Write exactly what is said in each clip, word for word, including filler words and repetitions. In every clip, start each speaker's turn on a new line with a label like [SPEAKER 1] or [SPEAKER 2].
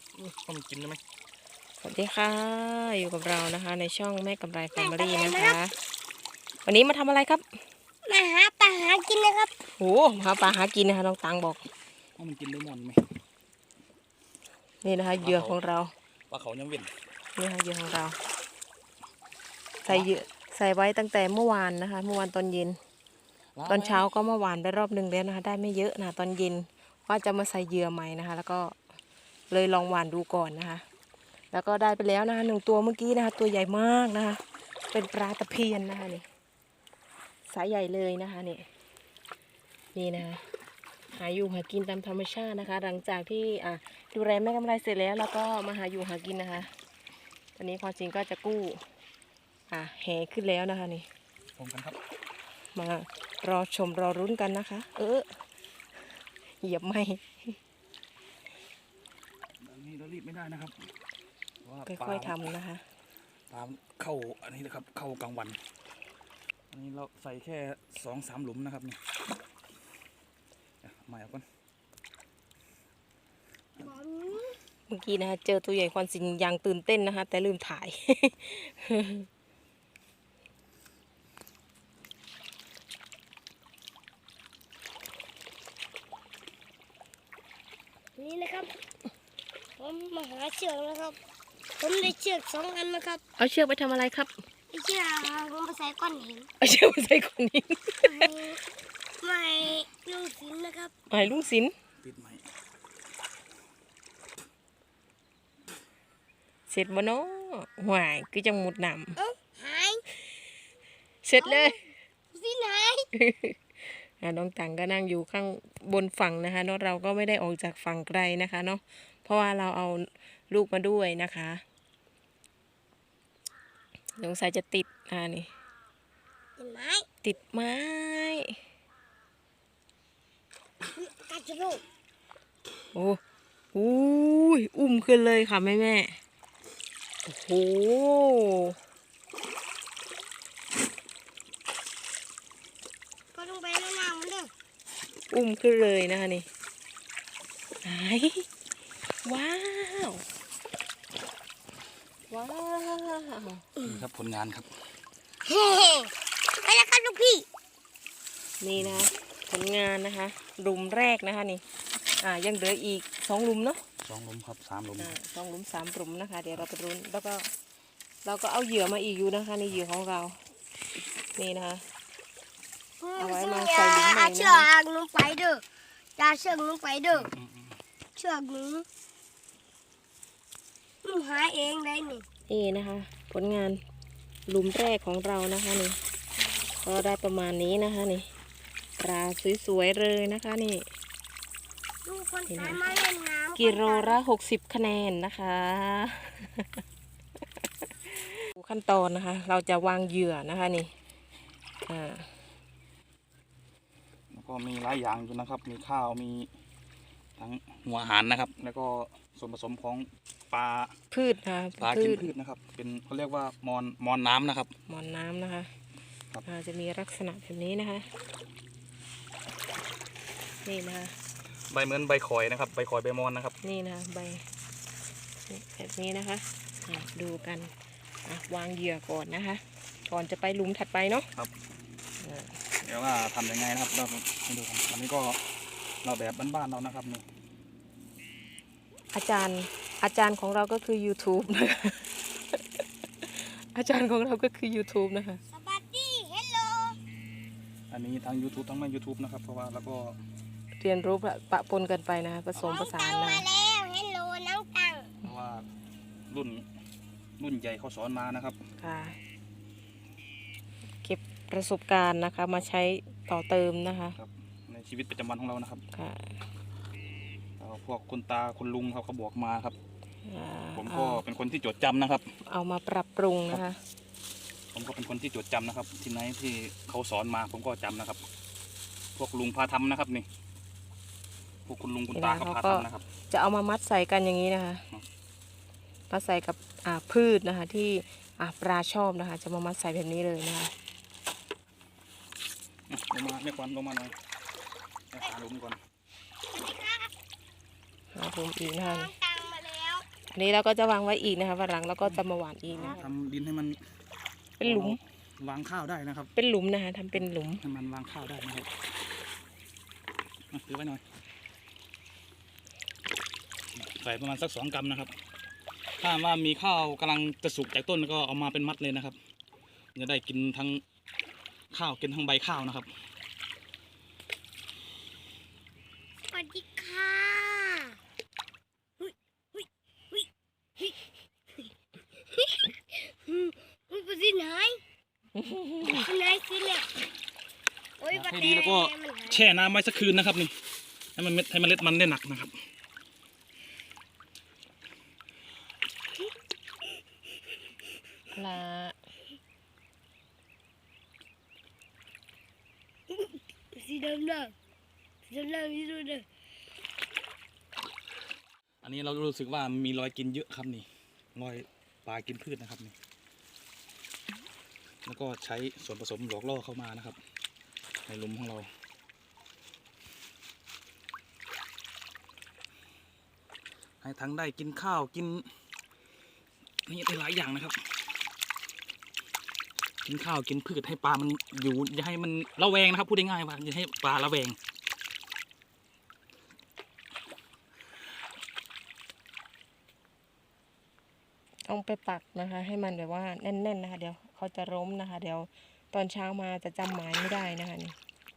[SPEAKER 1] ต้องกินได้ไหม
[SPEAKER 2] สวัสดีค่ะอยู่กับเรานะคะในช่องแม่กำไรแฟมิลี่นะคะวันนี้มาทำอะไรครับ
[SPEAKER 3] มาหาปลาหากินนะครับ
[SPEAKER 2] โอ้หาปลาหากินนะคะน้องตังบอก
[SPEAKER 1] ว่ามันกินเลมอนไหม
[SPEAKER 2] นี่นะคะเหยื่อของเรา
[SPEAKER 1] ปลาเขายังเว้น
[SPEAKER 2] นี่นะคะเหยื่อของเราใส่เหยื่อใส่ไว้ตั้งแต่เมื่อวานนะคะเมื่อวานตอนเย็นตอนเช้าก็เมื่อวานไปรอบหนึ่งแล้วนะคะได้ไม่เยอะนะตอนเย็นว่าจะมาใส่เหยื่อใหม่นะคะแล้วก็เลยลองหวานดูก่อนนะคะแล้วก็ได้ไปแล้วนะคะหนึ่งตัวเมื่อกี้นะคะตัวใหญ่มากนะคะเป็นปลาตะเพียนนะคะนี่สายใหญ่เลยนะคะนี่นี่นะคะหาอยู่หากินตามธรรมชาตินะคะหลังจากที่อ่ะดูแลแม่กำไรเสร็จแล้วแล้วก็มาหาอยู่หากินนะคะตอนนี้ความจริงก็จะกู้อ่ะแห่ขึ้นแล้วนะคะนี่
[SPEAKER 1] ชมกันครับ
[SPEAKER 2] มารอชมรอรุ้นกันนะคะเออเหยียบไม่
[SPEAKER 1] นี่เรารีบไม่ได้นะครับ
[SPEAKER 2] ค่อยๆทำนะคะ
[SPEAKER 1] ตามเข้าอันนี้นะครับเข้ากลางวันอันนี้เราใส่แค่สองสามหลุมนะครับนี่มาเอาก่อน
[SPEAKER 2] เมื่อกี้นะคะเจอตัวใหญ่ความจริงยังตื่นเต้นนะคะแต่ลืมถ่าย
[SPEAKER 3] นี่นะครับผมมาหาเชือกนะครับผมได้เชือกสองอันนะครับ
[SPEAKER 2] เอาเชือกไปทำอะไรครับ
[SPEAKER 3] เชือกผมไปใส่ก้อนหิน
[SPEAKER 2] เอาเชือกไปใส่ก้อนหิน
[SPEAKER 3] ไม่ลุงศิลนะครับ
[SPEAKER 2] ไม่ลุงศิล
[SPEAKER 1] ปิดไหม
[SPEAKER 2] เสร็จบ่เนาะหวายคือจังหมุดหนำ
[SPEAKER 3] เอ้าหาย
[SPEAKER 2] เสร็จเลย
[SPEAKER 3] ศิลหาย
[SPEAKER 2] น้องตังก็นั่งอยู่ข้างบนฝั่งนะคะเนาะเราก็ไม่ได้ออกจากฝั่งไกลนะคะเนาะเพราะว่าเราเอาลูกมาด้วยนะคะสงสัยจะติดอ่านี่
[SPEAKER 3] ติดไม้
[SPEAKER 2] ติดไม้
[SPEAKER 3] กัดจะลูก
[SPEAKER 2] โอ้โหอุ้มขึ้นเลยค่ะแม่แม่โอ้โห
[SPEAKER 3] ก็ต้องไปแล้วนางมันเด้อ
[SPEAKER 2] อุ้มขึ้นเลยนะคะนี่ไหนว้าวว้าว
[SPEAKER 1] นี่ครับผลงานครับ
[SPEAKER 3] เฮ้ไปแล้วครับลูกพี่
[SPEAKER 2] นี่นะผลงานนะคะหลุมแรกนะคะนี่อ่ายังเหลืออีกสองหลุมเนาะ
[SPEAKER 1] สองหลุมครับสามหลุม
[SPEAKER 2] อ่าสองหลุมสามหลุมนะคะเดี๋ยวเราไปรุ้นแล้วก็เราก็เอาเหยื่อมาอีกอยู่นะคะนี่เหยื่อของเรานี่นะคะเอาไว้มาใส่หลุมใหม่นะ
[SPEAKER 3] เชือกลงไปเด้ออย่าเชือกลงไปเด้อเชือกนี้มันหาเองได้นี่
[SPEAKER 2] นี่นะคะผลงานหลุมแรกของเรานะคะนี่ก็ได้ประมาณนี้นะคะนี่ปลาสวยๆเลยนะคะนี่
[SPEAKER 3] ดูคนสายมาเล่นน้ำ
[SPEAKER 2] กิโลละหกสิบคะแนนนะคะขั้นตอนนะคะเราจะวางเหยื่อนะคะนี่อ่า
[SPEAKER 1] แล้วก็มีหลายอย่างอยู่นะครับมีข้าวมีทั้งหัวอาหารนะครับแล้วก็ส่วนผสมของปลา
[SPEAKER 2] พืชนะ
[SPEAKER 1] ปลากินพืชนะครับเป็นเขาเรียกว่ามอนมอนน้ำนะครับ
[SPEAKER 2] มอนน้ำนะคะจะมีลักษณะแบบนี้นะคะนี่นะคะ
[SPEAKER 1] ใบเหมือนใบข่อยนะครับใบข่อยใบมอนนะครับ
[SPEAKER 2] นี่นะคะใบแบบนี้นะคะดูกันวางเหยื่อก่อนนะคะก่อนจะไปหลุมถัดไปเนาะ
[SPEAKER 1] ครับเดี๋ยวว่าทำยังไงนะครับเราให้ดูกันอันนี้ก็เราแบบบ้านๆเรานะครับนี่
[SPEAKER 2] อาจารย์อาจารย์ของเราก็คือ YouTube นะคะอาจารย์ของเราก็คือ YouTube นะคะ
[SPEAKER 3] สวัสดีเฮลโล
[SPEAKER 1] อันนี้ทั้ง YouTube ทั้งไม่ YouTube นะครับเพราะว่าแล้วก็
[SPEAKER 2] เรียนรู้ปะปนกันไปนะคะผสมผสานนะ
[SPEAKER 3] มาแล้วเฮลโลน้องตัง
[SPEAKER 1] เพราะว่ารุ่นรุ่นใหญ่เขาสอนมานะครับ
[SPEAKER 2] ค่ะเก็บประสบการณ์นะคะมาใช้ต่อเติมนะคะ
[SPEAKER 1] ในชีวิตประจำวันของเรานะครับ
[SPEAKER 2] ค่ะ
[SPEAKER 1] พวกคุณตาคุณลุงเขาเขาบอกมาครับผมก็เป็นคนที่จดจำนะครับ
[SPEAKER 2] เอามาปรับปรุงนะคะ
[SPEAKER 1] ผมก็เป็นคนที่จดจำนะครับที่ไหนที่เขาสอนมาผมก็จำนะครับพวกลุงพาทำนะครับนี่พวกคุณลุงคุณตาเขาพาทำนะครับ
[SPEAKER 2] จะเอามามัดใส่กันอย่างนี้นะคะมาใส่กับอ่าพืชนะคะที่อ่าปลาชอบนะคะจะมามัดใส่แบบนี้เลยนะคะ
[SPEAKER 1] ลงมาไม่ควรลงมาหน่อยหาลุงก่อน
[SPEAKER 2] หาลุงอีกนะคะ
[SPEAKER 3] ตังมาแล้ว
[SPEAKER 2] อันนี้เราก็จะวางไว้อีกนะคะวันหลังเราก็จะมาหว่านอีกนะคะ
[SPEAKER 1] ทำดินให้มัน
[SPEAKER 2] เป็นหลุม
[SPEAKER 1] วางข้าวได้นะครับ
[SPEAKER 2] เป็นหลุมนะคะทำเป็นหลุม
[SPEAKER 1] ให้มันวางข้าวได้นะครับมาถือไว้หน่อยใส่ประมาณสักสองกรัมนะครับถ้าว่ามีข้าวกำลังจะสุกจากต้นก็เอามาเป็นมัดเลยนะครับจะได้กินทั้งข้าวกินทั้งใบข้าวนะครับ
[SPEAKER 3] สวัสดีค่ะหุ้ยหุ้ยหุ้ยหุ้ยหุ้ยหุ้ยไปที่ไหนที่ไหนสิเนี่ยโอ้ย
[SPEAKER 1] ให้ดีแล้วก็แช่น้ำไว้สักคืนนะครับนี่ให้มันเม็ดให้เมล็ดมันได้หนักนะครับ
[SPEAKER 2] ละ
[SPEAKER 3] สีดำดำสีดำดำสีดำดำ
[SPEAKER 1] อันนี้เรารู้สึกว่ามีรอยกินเยอะครับนี่รอยปลากินพืชนะครับนี่แล้วก็ใช้ส่วนผสมหลอกล่อเข้ามานะครับในหลุมของเราให้ทั้งได้กินข้าวกินนี่ได้หลายอย่างนะครับกินข้าวกินพืชให้ปลามันอยู่อย่าให้มันระแวงนะครับพูดง่ายๆว่าอย่าให้ปลาระแวง
[SPEAKER 2] ต้องไปปักนะคะ ให้มันแบบว่าแน่นๆนะคะ เดี๋ยวเขาจะล้มนะคะ เดี๋ยวตอนเช้ามาจะจำหมายไม่ได้นะคะนี่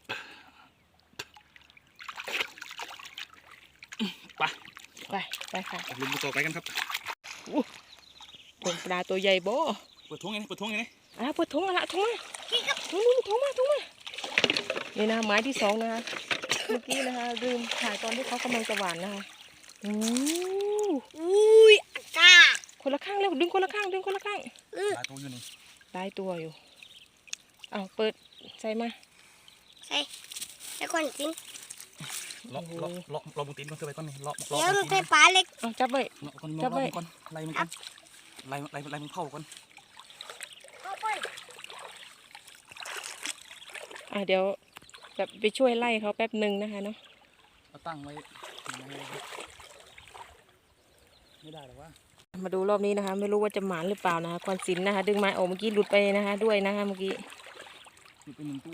[SPEAKER 1] ไป
[SPEAKER 2] ไปไปค่ะ
[SPEAKER 1] ลุมต่อไปกันครับ
[SPEAKER 2] เป็นปลาตัวใหญ่โบ
[SPEAKER 1] เปิดท้องไงนี่เปิดท้องไงนี่
[SPEAKER 2] อ่ะปวดท้องมาละท้องมาท้องมาท้องมาท้องมานี่นะไม้ที่สองนะคะเมื่อกี้นะคะลืมถ่ายตอนที่เขากำลังจะหวานนะคะอู้
[SPEAKER 3] อุ้ยอากาศ
[SPEAKER 2] คนละข้างแล้วดึงคนละข้างดึงคนละข้าง
[SPEAKER 1] หลายตัวอยู่นี่
[SPEAKER 2] ได้ตัวอยู่เอาเปิดใส่มา
[SPEAKER 3] ใส่ใส่ก่อนกิน
[SPEAKER 1] เลาะเลาะเลาะเลาะบนตีนก่อนเธอไปก่อนนี่เลาะเลาะ
[SPEAKER 3] เดี๋ยว
[SPEAKER 1] บ
[SPEAKER 3] มัน
[SPEAKER 1] น
[SPEAKER 3] ใส่
[SPEAKER 1] ตีน
[SPEAKER 3] ปลาเล็ก
[SPEAKER 2] เอาจับไว้
[SPEAKER 1] เลาะก่อน
[SPEAKER 2] จั
[SPEAKER 1] เลาะ
[SPEAKER 2] บไว้
[SPEAKER 1] มันก่อนไล่มันก่อนไล่ไล่ไล่มันเข้าก่อน
[SPEAKER 3] เข้าไป
[SPEAKER 2] อ่ะเดี๋ยวแบบไปช่วยไล่เขาแป๊บหนึ่งนะคะเนาะ
[SPEAKER 1] เอาตั้งไว้ไม่ได้หรอกว่า
[SPEAKER 2] มาดูรอบนี้นะคะ ไม่รู้ว่าจะหมานหรือเปล่านะคะควันสินนะคะ ดึงไม้ออกเมื่อกี้หลุดไปนะคะ ด้วยนะคะเมื่อกี้
[SPEAKER 1] นี่เป็นหนึ่งตัว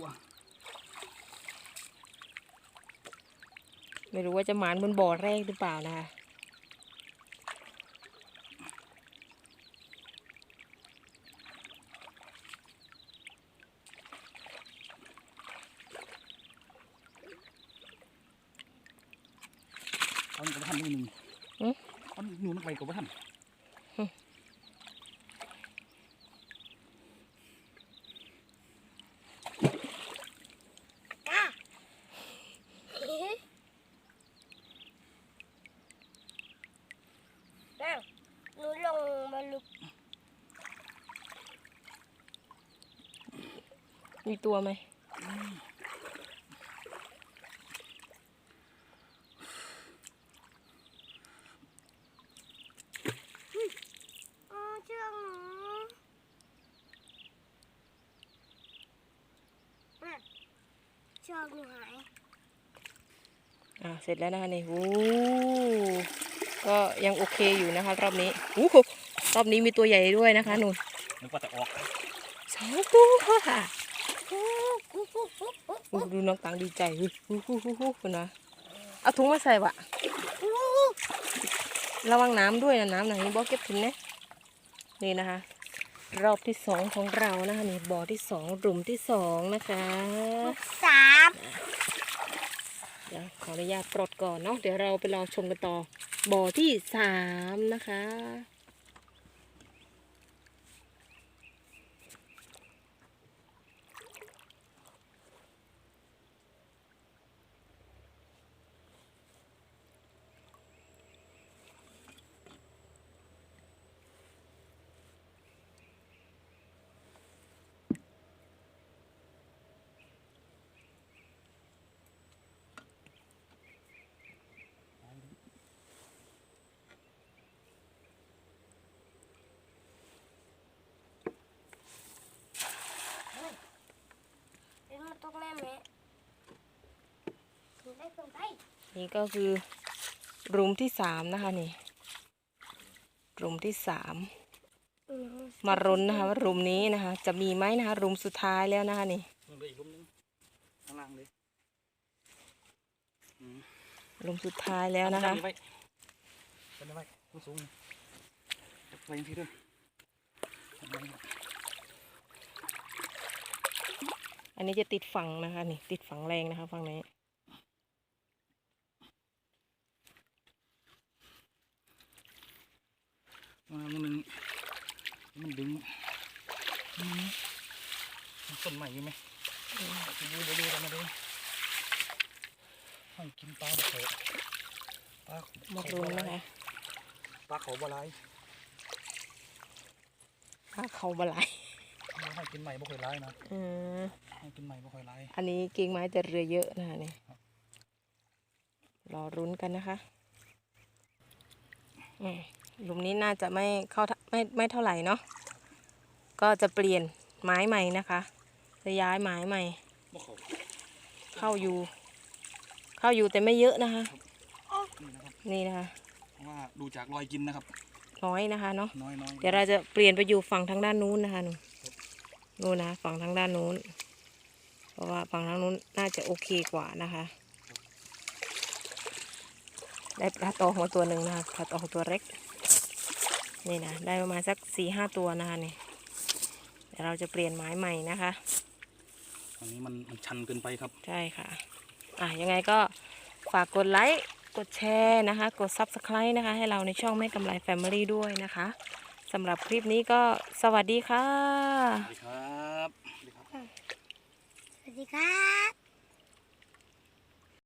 [SPEAKER 2] ไม่รู้ว่าจะหมานบนบ่อแรกหรือเปล่านะคะ
[SPEAKER 1] เอาหนึ่งกับท่านนี่หนึ่งเอาหนูนักไปกับท่าน
[SPEAKER 3] หนูลงมาลุก
[SPEAKER 2] มีตัวไหม
[SPEAKER 3] อ๋อเชือกหนูน่ะเชือกหนูหาย
[SPEAKER 2] อ่าเสร็จแล้วนะคะนี่โอ้ก็ยังโอเคอยู่นะคะรอบนี้โอ้โหรอบนี้มีตัวใหญ่ด้วยนะคะหนู
[SPEAKER 1] นึกว่าจะออก
[SPEAKER 2] สองตัวค่ะโอ้ดูน้องตังดีใจฮู้ฮู้ฮู้ฮู้ฮู้คุณนะเอาถุงมาใส่วะระวังน้ำด้วยนะน้ำหนังนี้บ่เก็บถุงนะนี่นะคะ รอบที่สองของเรานะคะนี่บ่อที่สองหลุมที่สองนะคะ
[SPEAKER 3] สาม
[SPEAKER 2] เดี๋ยวขออนุญาตปลดก่อนเนาะเดี๋ยวเราไปรอชมกันต่อบ่อที่สามนะคะ
[SPEAKER 3] เดี๋ยวมันตกแม่แม่ถึงได้ส่งไป
[SPEAKER 2] นี่ก็คือหลุมที่สามนะคะนี่รุมที่สาม
[SPEAKER 3] เออ
[SPEAKER 2] มารุนนะคะว่ารุมนี้นะคะ จะมีไหมนะคะ รุมสุดท้ายแล้วนะคะนี่
[SPEAKER 1] มันเลยอีกลุมนึงข้างล่างเลยอืม
[SPEAKER 2] รุมสุดท้ายแล้วนะคะ
[SPEAKER 1] เอาไว้เอาไว้เอาสูงไว้ยังที่ด้วยเอาไว้
[SPEAKER 2] อันนี้จะติดฝั่งนะคะนี่ติดฝั่งแรงนะคะฝั่งนี้
[SPEAKER 1] มามันนึงมันดึงอืมมันต้นใหม่อยู่ไหมไปดูไปดูกันมาดูให้กินปลาเถอะปลา
[SPEAKER 2] มารุนนะคะ
[SPEAKER 1] ปลาเขาบลาย
[SPEAKER 2] ถ้าเขาบลาย
[SPEAKER 1] ให้กินใหม่บ่ค่อยร้ายนะ
[SPEAKER 2] อืม
[SPEAKER 1] ให้กินใหม่บ่ค่อยร้าย
[SPEAKER 2] อันนี้กิ่งไม้แต่เรือเยอะนะคะนี่รอรุ้นกันนะคะอืมหลุมนี้น่าจะไม่เข้าไม่ไม่เท่าไหร่เนาะก็จะเปลี่ยนไม้ใหม่นะคะจะย้ายไม้ใหม่
[SPEAKER 1] บ่เขา
[SPEAKER 2] เข้าอยู่ เข้าอยู่แต่ไม่เยอะนะคะ
[SPEAKER 1] นี่นะครับ
[SPEAKER 2] นี่นะคะ
[SPEAKER 1] เพราะว่าดูจากรอยกินนะครับ
[SPEAKER 2] น้อยนะคะเนาะ
[SPEAKER 1] น้อยน้อย
[SPEAKER 2] เดี๋ยวเราจะเปลี่ยนไปอยู่ฝั่งทางด้านนู้นนะคะหนูนู่นนะฝั่งทางด้านนู้น เพราะว่าฝั่งทางนู้นน่าจะโอเคกว่านะคะ ได้ปลาตองมาตัวหนึ่งนะคะปลาตองตัวเล็ก นี่นะได้ประมาณสักสี่ห้าตัวนะคะนี่เดี๋ยวเราจะเปลี่ยนไม้ใหม่นะคะ
[SPEAKER 1] อันนี้มันมันชันเกินไปครับ
[SPEAKER 2] ใช่ค่ะ อ่ะยังไงก็ฝากกดไลค์ กดแชร์นะคะ กด ซับสไครบ์ นะคะ ให้เราในช่องแม่กำไรแฟมิลี่ด้วยนะคะสำหรับคลิปนี้ก็สวัสดีค่ะ
[SPEAKER 1] สวัสดีครับ
[SPEAKER 3] สวัสดีครับ